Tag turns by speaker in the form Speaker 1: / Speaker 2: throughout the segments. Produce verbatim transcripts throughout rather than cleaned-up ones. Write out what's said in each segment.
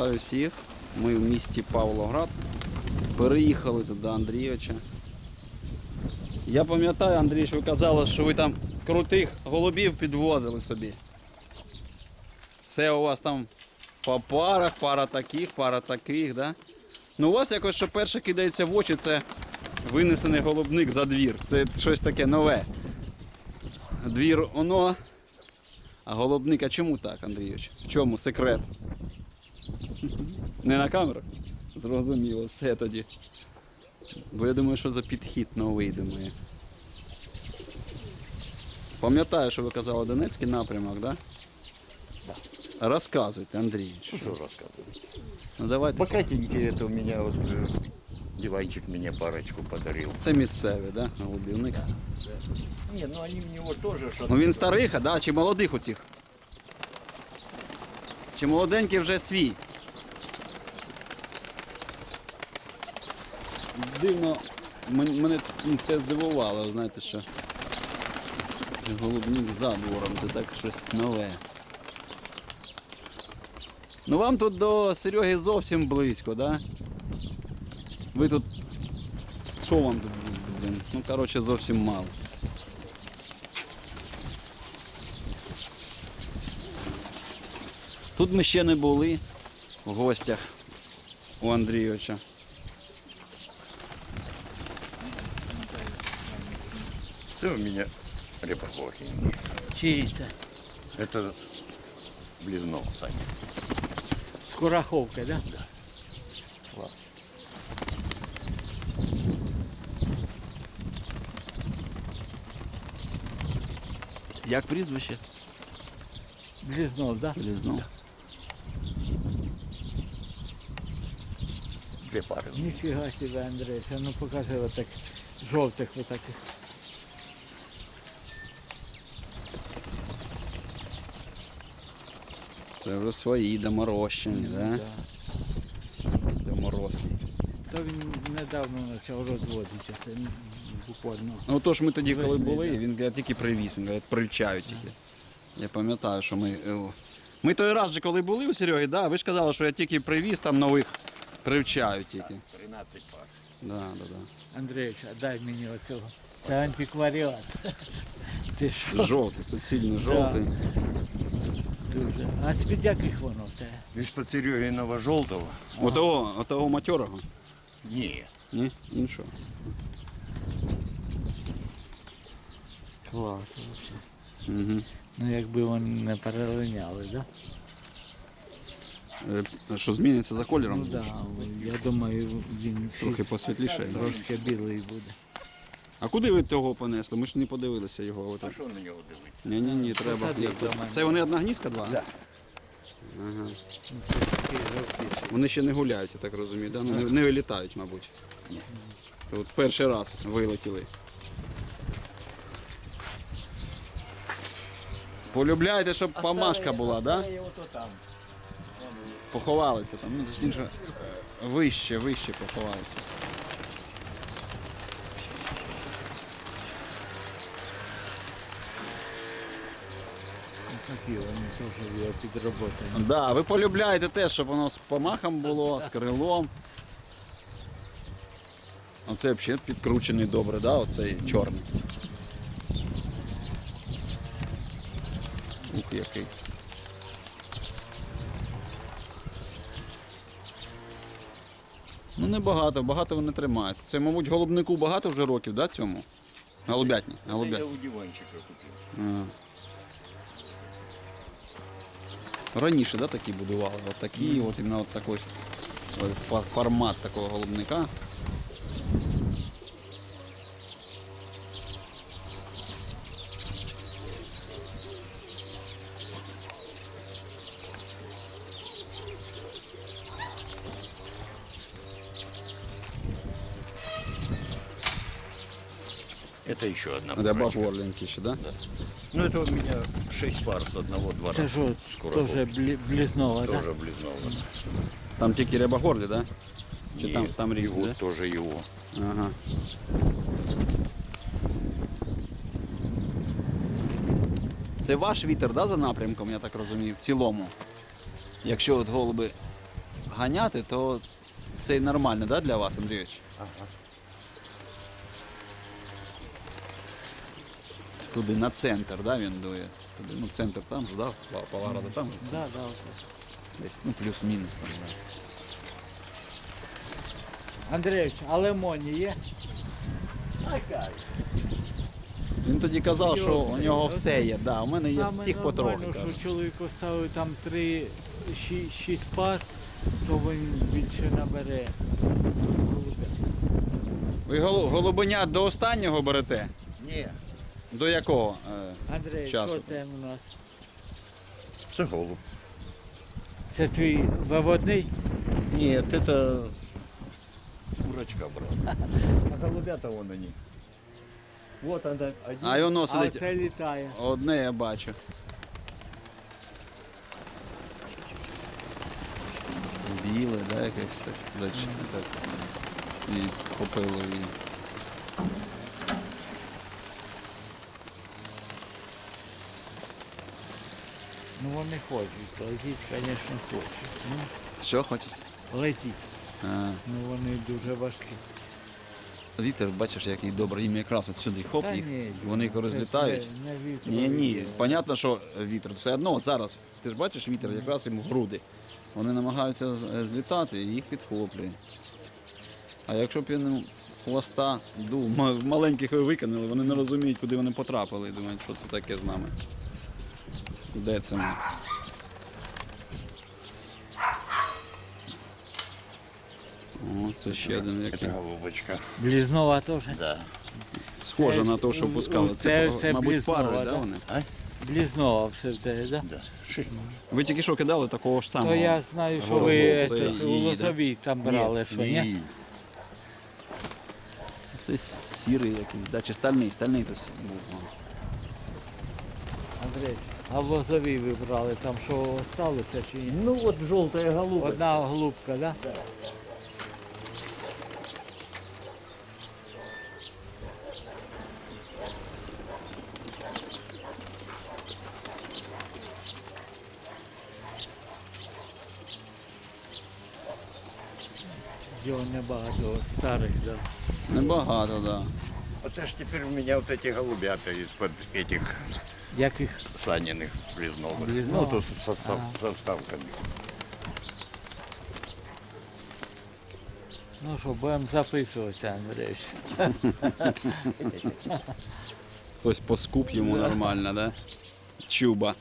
Speaker 1: Вітаю всіх. Ми в місті Павлоград. Переїхали тут до Андрійовича. Я пам'ятаю, Андрій, що ви казали, що ви там крутих голубів підвозили собі. Все у вас там по парах, пара таких, пара таких, да? Ну у вас якось, що перше кидається в очі, це винесений голубник за двір. Це щось таке нове. Двір оно, а голубник, а чому так, Андрійович? В чому секрет? Не на камеру? Зрозуміло, все тоді. Бо я думаю, що за підхід новий, думаю. Пам'ятаю, що ви казали Донецький напрямок, да?
Speaker 2: Да.
Speaker 1: Розказуйте, Андрій.
Speaker 2: Что, что рассказывать?
Speaker 1: Ну давайте.
Speaker 2: Богатенький это у меня вот э, диванчик мне парочку подарил.
Speaker 1: Це місцеві, да? Голубівник.
Speaker 2: Не, ну они у него тоже что-то.
Speaker 1: Ну він старих, да? Чи молодих у цих? Чи молоденький вже свій? Дивно, мен- мене це здивувало, знаєте що. Голубник за двором, це так щось нове. Ну вам тут до Сереги зовсім близько, да? Ви тут... Що вам тут? Блін? Ну, коротше, зовсім мало. Тут ми ще не були в гостях у Андрійовича.
Speaker 2: Это у меня репорхохи.
Speaker 3: Чиї це?
Speaker 2: Это Близнов, Саня.
Speaker 3: З Кураховки, да?
Speaker 2: Класс.
Speaker 1: Як прізвище?
Speaker 3: Близнов, да?
Speaker 1: Близнов.
Speaker 2: Две пары.
Speaker 3: Ніфіга себе, Андрій, а ну покажи отак жовтих отаких.
Speaker 1: Це вже свої доморощені, да?
Speaker 3: Да.
Speaker 1: Доморослі.
Speaker 3: То він недавно почав розводити, це буквально.
Speaker 1: Ну то ж ми тоді, коли
Speaker 3: Весни,
Speaker 1: були,
Speaker 3: да.
Speaker 1: він каже, тільки привіз, він каже, привчають тільки. Я пам'ятаю, що ми... е, Ми той раз же, коли були у Сереги, да, ви ж казали, що я тільки привіз, там нових привчають тільки.
Speaker 2: тринадцать пар.
Speaker 1: Да, да, да.
Speaker 3: Андрійович, а дай мені оцього. Це антикваріат. Ти що?
Speaker 1: Жовтий, суцільний жовтий.
Speaker 3: Дуже. А з-під яких воно в тебе?
Speaker 2: Из-под Серегиного желтого?
Speaker 1: Отого, отого матьорого?
Speaker 2: Не.
Speaker 1: Ні? Іншого.
Speaker 3: Клас взагалі.
Speaker 1: Угу.
Speaker 3: Ну якби вони не перелиняли, да?
Speaker 1: Е, Що зміниться за кольором?
Speaker 3: Ну так, да, я думаю, він
Speaker 1: Трохи
Speaker 3: фіз-
Speaker 1: посвітліше. да?
Speaker 3: трошки білий буде.
Speaker 1: А куди ви того понесли? Ми ж не подивилися його.
Speaker 2: А
Speaker 1: Отак.
Speaker 2: что на него дивиться?
Speaker 1: Ні, ні, ні, треба.
Speaker 3: Посади
Speaker 1: Як-
Speaker 3: до мене.
Speaker 1: Це вони одна гнізка, два?
Speaker 2: Да.
Speaker 1: Ага.
Speaker 3: Такий жовтий.
Speaker 1: Вони ще не гуляють, я так розумію, да? Ну, не, не вилітають, мабуть.
Speaker 2: Ні.
Speaker 1: От перший раз вилетіли. Полюбляєте, щоб помашка була, так? Да?
Speaker 2: Оставили его то там.
Speaker 1: Поховалися там. Ну, точніше, вище, вище поховалися.
Speaker 3: Такі вони теж його підроботані.
Speaker 1: Да, ви полюбляєте те, щоб воно з помахом було, з крилом. Оце взагалі підкручений добре, да? Оцей чорний. Ух, який. Ну небагато, багато вони тримають. Це, мабуть, голубнику багато вже років, да, цьому? Голубятні.
Speaker 2: Это
Speaker 1: Голубят.
Speaker 2: я у диванчика купил.
Speaker 1: Ага. Раніше, да, такі будували? От такі, от іменно от такий фа- формат такого голубника.
Speaker 2: Это еще одна
Speaker 1: Ряба
Speaker 2: парочка.
Speaker 1: горленький ще, да?
Speaker 2: Ну это у меня шесть пар с одного двора.
Speaker 3: Це ж от
Speaker 2: Скоро
Speaker 3: теж
Speaker 2: будет.
Speaker 3: блі- блізнова, так?
Speaker 2: Тоже Близнова.
Speaker 1: Там тільки рябогорлі, да? Чи
Speaker 2: И
Speaker 1: там, там
Speaker 2: и
Speaker 1: різні,
Speaker 2: вот
Speaker 1: да?
Speaker 2: тоже его.
Speaker 1: Ага. Це ваш вітер, да, за напрямком, я так розумію, в цілому. Якщо от голуби ганяти, то це нормально, да, для вас, Андрійович?
Speaker 2: Ага.
Speaker 1: Туди на центр, да, він дує. Туди, ну, центр там же, да, Павлограда там же.
Speaker 3: Да, да, отак.
Speaker 1: Десь, ну, плюс-мінус там, да.
Speaker 3: Андрійович, а лимоні є?
Speaker 1: Він тоді казав, що у
Speaker 3: Все,
Speaker 1: нього
Speaker 3: оце
Speaker 1: все є, да, у мене є
Speaker 3: Саме
Speaker 1: всіх потрохи.
Speaker 3: нормально,
Speaker 1: каже.
Speaker 3: що чоловік оставив там три, ші- шість пар, то він більше набере.
Speaker 1: Ви голу- голубеня до останнього берете?
Speaker 2: Ні,
Speaker 1: До якого? е,
Speaker 3: Андрій,
Speaker 1: Часу.
Speaker 3: що це у нас?
Speaker 2: це голуб.
Speaker 3: Це твій виводний?
Speaker 2: Нет, это курочка, брат. А голубята вон они. Вот она, один.
Speaker 1: А й воно
Speaker 3: А
Speaker 1: сидить.
Speaker 3: це літає.
Speaker 1: Одне я бачу. Біле, да, якесь так. Дальше, так. І копило її.
Speaker 3: Ну вони хочуть, летіть, звісно, хочуть. Ну,
Speaker 1: Що хочеш?
Speaker 3: летіть.
Speaker 1: А,
Speaker 3: Ну вони дуже важкі.
Speaker 1: вітер, бачиш, який добрий. Їм якраз от сюди хоп,
Speaker 3: Та
Speaker 1: їх,
Speaker 3: ні,
Speaker 1: вони
Speaker 3: це ж
Speaker 1: розлітають.
Speaker 3: Не, не вітер.
Speaker 1: Ні, ні, понятно, що вітер. Все одно от зараз, ти ж бачиш вітер, якраз їм в груди. Вони намагаються з- злітати і їх підхоплює. А якщо б він хвоста дув, ма- маленьких ви викинули, вони не розуміють, куди вони потрапили. І думають, що це таке з нами. Де це ми? О, це ще один який.
Speaker 2: Это голубочка.
Speaker 3: Блізнова теж.
Speaker 2: Да.
Speaker 1: Схоже
Speaker 3: Це-
Speaker 1: на те, що
Speaker 3: у-
Speaker 1: пускали.
Speaker 3: у-
Speaker 1: Це,
Speaker 3: це- це
Speaker 1: мабуть,
Speaker 3: блізнова,
Speaker 1: пари, да,
Speaker 3: да?
Speaker 1: вони?
Speaker 3: Блізнова все в тебе, так?
Speaker 2: Да. Ши-
Speaker 1: Ви тільки що кидали такого ж самого.
Speaker 3: То я знаю, що
Speaker 1: Голубов,
Speaker 3: ви
Speaker 1: це
Speaker 3: етот, у
Speaker 1: її, да?
Speaker 3: Лозовій там брали, що ні?
Speaker 2: Ні.
Speaker 1: Це сірий якийсь, да? Чи стальний, стальний то був.
Speaker 3: Андрій, а в Лозовій ви брали, там що осталося чи ні?
Speaker 2: Ну вот желтая голубка.
Speaker 3: Одна голубка, так? Да? Його небагато старих, да.
Speaker 1: Небагато, так. Да.
Speaker 2: Оце ж теперь у меня вот эти голубята из-под этих
Speaker 3: Яких?
Speaker 2: саниных близновых.
Speaker 3: Близнова?
Speaker 2: Ну, тут со, со,
Speaker 3: Ага.
Speaker 2: со вставками.
Speaker 3: Ну що, будемо записуватися, Андрій.
Speaker 1: Хтось поскуп йому нормально, да? Чуба.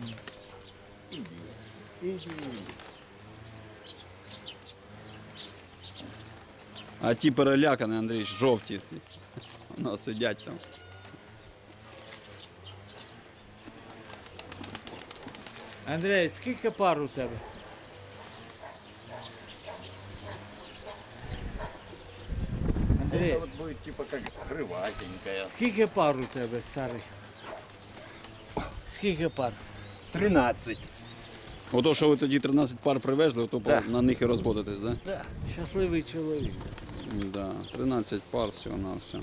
Speaker 1: А ті перелякані, Андрій, жовті. ті. Воно сидять там.
Speaker 3: Андрій, скільки пар у тебе? Андрій,
Speaker 2: Это вот будет типа как крыватенькая.
Speaker 3: скільки пар у тебе старих? Скільки пар?
Speaker 2: тринадцать.
Speaker 1: Ото, що ви тоді тринадцять пар привезли, ото
Speaker 2: Да.
Speaker 1: на них і розводитесь, да?
Speaker 2: Да.
Speaker 3: Щасливий чоловік.
Speaker 1: Да. тринадцять пар всього на все.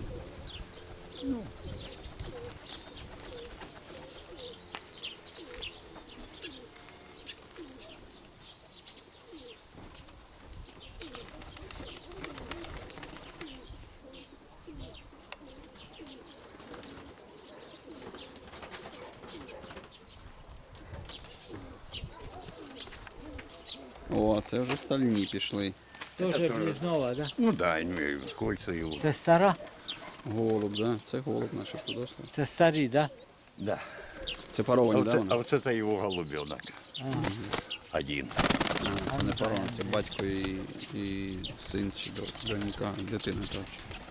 Speaker 1: О, це вже стальні пішли.
Speaker 3: Теж
Speaker 2: теж.
Speaker 3: блізнова, так? Да?
Speaker 2: Ну да, имею кольца его.
Speaker 3: Це стара?
Speaker 1: Голуб, да? Це голуб наш подошли.
Speaker 3: Це старі, так? Да?
Speaker 2: Да.
Speaker 1: Це
Speaker 2: А
Speaker 1: паровані,
Speaker 2: вот,
Speaker 1: да?
Speaker 2: это,
Speaker 1: вони?
Speaker 2: а вот это его голубенок. Один.
Speaker 1: Це не паровані, це батько і, і син чи до- донька, дитина так.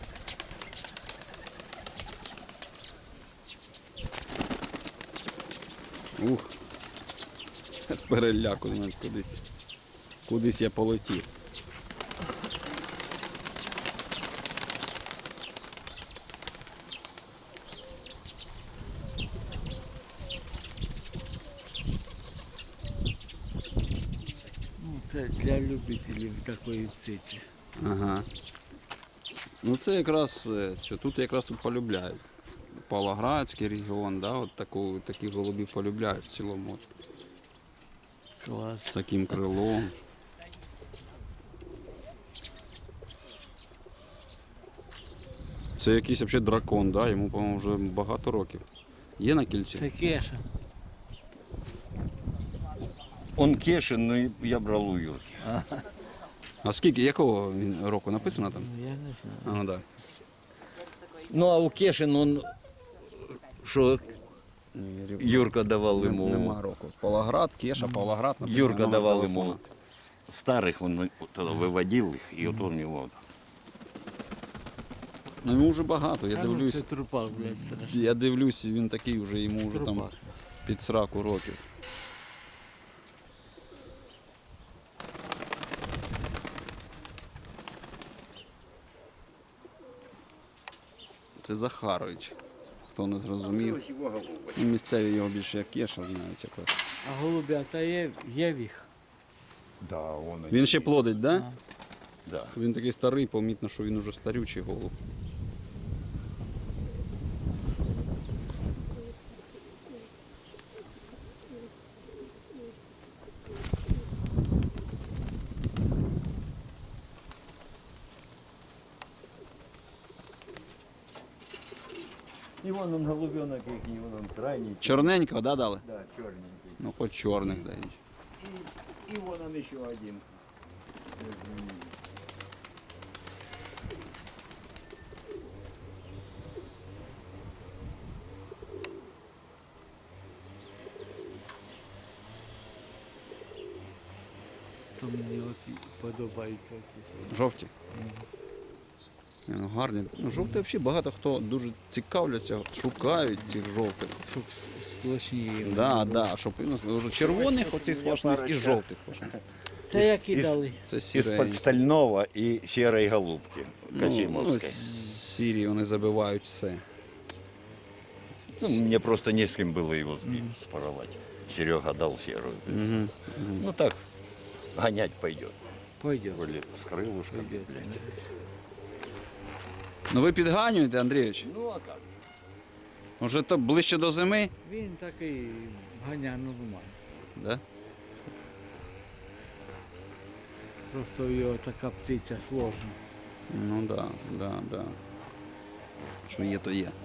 Speaker 1: Ух. З переляку навіть кудись. Кудись я полетів.
Speaker 3: Ну, це для любителів такої птиці.
Speaker 1: Ага. Ну це якраз, е, що тут якраз тут полюбляють. Павлоградський регіон, да, от таку, таких голубів полюбляють в цілому. От,
Speaker 3: Клас.
Speaker 1: з таким крилом. Це якийсь взагалі дракон, да? Йому, по-моєму, вже багато років. Є на кільці?
Speaker 3: Це кеша.
Speaker 2: Он Кешин, но я брал у Юрки.
Speaker 1: А скільки, якого він року написано там?
Speaker 3: Ну, я не знаю.
Speaker 1: А, да.
Speaker 2: Ну а у Кешин он, что Юрка давал
Speaker 1: Нем-
Speaker 2: ему,
Speaker 1: Нема року. Павлоград, Кеша, Павлоград. написано,
Speaker 2: Юрка
Speaker 1: номер
Speaker 2: давал
Speaker 1: телефона.
Speaker 2: ему старых, он тогда выводил их, и вот он его.
Speaker 1: Ну йому вже багато, я
Speaker 3: А ну,
Speaker 1: дивлюсь.
Speaker 3: це трупак, блядь, страшно.
Speaker 1: Я дивлюсь, він такий вже, йому вже там
Speaker 3: Трупак.
Speaker 1: під сраку років. Це Захарович. Хто не зрозумів. Ну, місцеві його більше як Кеша знають якось.
Speaker 3: А голубята є, є їх.
Speaker 2: Да, он.
Speaker 1: Він ще плодить, так? Да?
Speaker 3: А.
Speaker 2: Да.
Speaker 1: Він такий старий, помітно, що він уже старючий голуб.
Speaker 2: И вон он голубенок, и вон он крайний.
Speaker 1: Чорненького, да, дали?
Speaker 2: Да, черненький.
Speaker 1: Ну, хоч чорних дають.
Speaker 2: И, и вон он еще один.
Speaker 3: То мені от і подобаються. ці.
Speaker 1: Жовті. Ні, ну, гарні. Ну, жовті взагалі багато хто дуже цікавляться, шукають цих жовтих.
Speaker 3: Щоб с- сплошні.
Speaker 1: Да, да, щоб ну, вже червоних оцих флажних і жовтих флажних.
Speaker 3: Це які
Speaker 2: із-
Speaker 3: дали?
Speaker 1: Це
Speaker 2: Из-под
Speaker 1: сірі.
Speaker 2: стального и серой голубки
Speaker 1: Ну,
Speaker 2: Касимовской.
Speaker 1: сірі вони забивають все.
Speaker 2: Ну, мне просто не с кем было его сбить, споровать. Серега дал серую.
Speaker 1: Угу.
Speaker 2: Ну так, гонять пойдет.
Speaker 3: Пойдет.
Speaker 2: Вроде с крылышками,
Speaker 3: Пойдет.
Speaker 2: блядь.
Speaker 1: Ну ви підганюєте, Андрійович?
Speaker 2: Ну а как?
Speaker 1: Уже то ближче до зими?
Speaker 3: Він такий ганя нормально.
Speaker 1: Да?
Speaker 3: Просто в його така птиця сложна.
Speaker 1: Ну да, да, да. Що є, то є.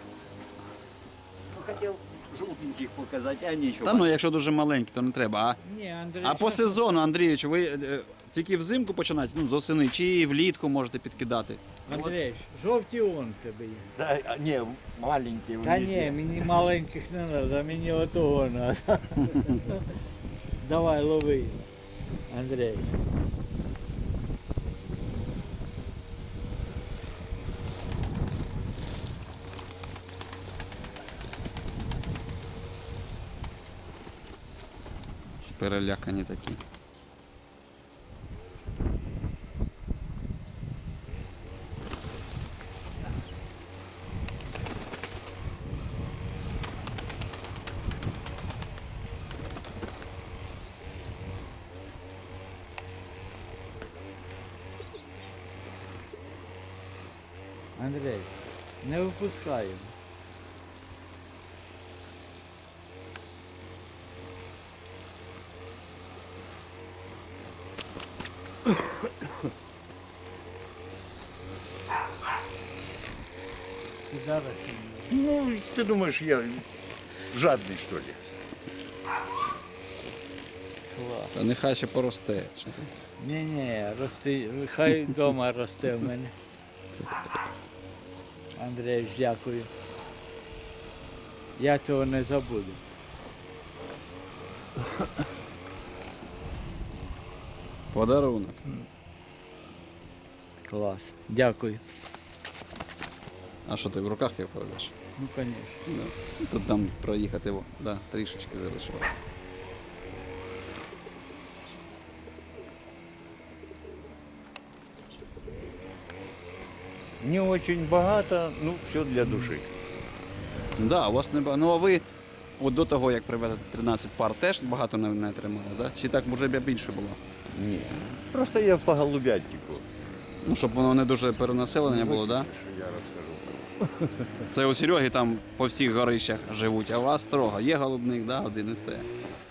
Speaker 2: Ну хотел желтеньких показать, а они еще.
Speaker 1: Та ну, якщо дуже маленькі, то не треба. А,
Speaker 3: Ні, Андрій.
Speaker 1: а по сезону, Андрійович, ви е, тільки взимку починаєте, ну, з осени, чи влітку можете підкидати?
Speaker 3: Андрій, жовті он в тебе є.
Speaker 2: Да, а, не, маленькие у
Speaker 3: Та
Speaker 2: них
Speaker 3: ні,
Speaker 2: есть.
Speaker 3: мені маленьких не треба, мені отого треба. Давай, лови. Андрій.
Speaker 1: Ці перелякані такі.
Speaker 3: Андрій, не випускаємо. Ти зараз ще не-
Speaker 2: Ну, ты думаешь, я жадный, что ли?
Speaker 3: Клас.
Speaker 1: Та нехай ще поросте. Що ти?
Speaker 3: Ні, ні, рости, хай вдома росте в мене. Андрій, дякую. Я цього не забуду.
Speaker 1: Подарунок.
Speaker 3: Клас. Дякую.
Speaker 1: А що ти в руках його поведеш?
Speaker 3: Ну, звісно.
Speaker 1: Да. Тут там проїхати, во, да, трішечки залишилось.
Speaker 2: Не очень богато, ну, все для души.
Speaker 1: Да, у вас не багато. Ну а ви от до того, як привезли тринадцять пар, теж багато не, не тримали, да? Чи так може б більше було?
Speaker 2: Не. Просто я по голубятнику.
Speaker 1: Ну, щоб воно не дуже перенаселення було, да?
Speaker 2: Что я расскажу.
Speaker 1: Це у Сереги там по всіх горищах живуть, а у вас строго. Є голубник, да, один і все.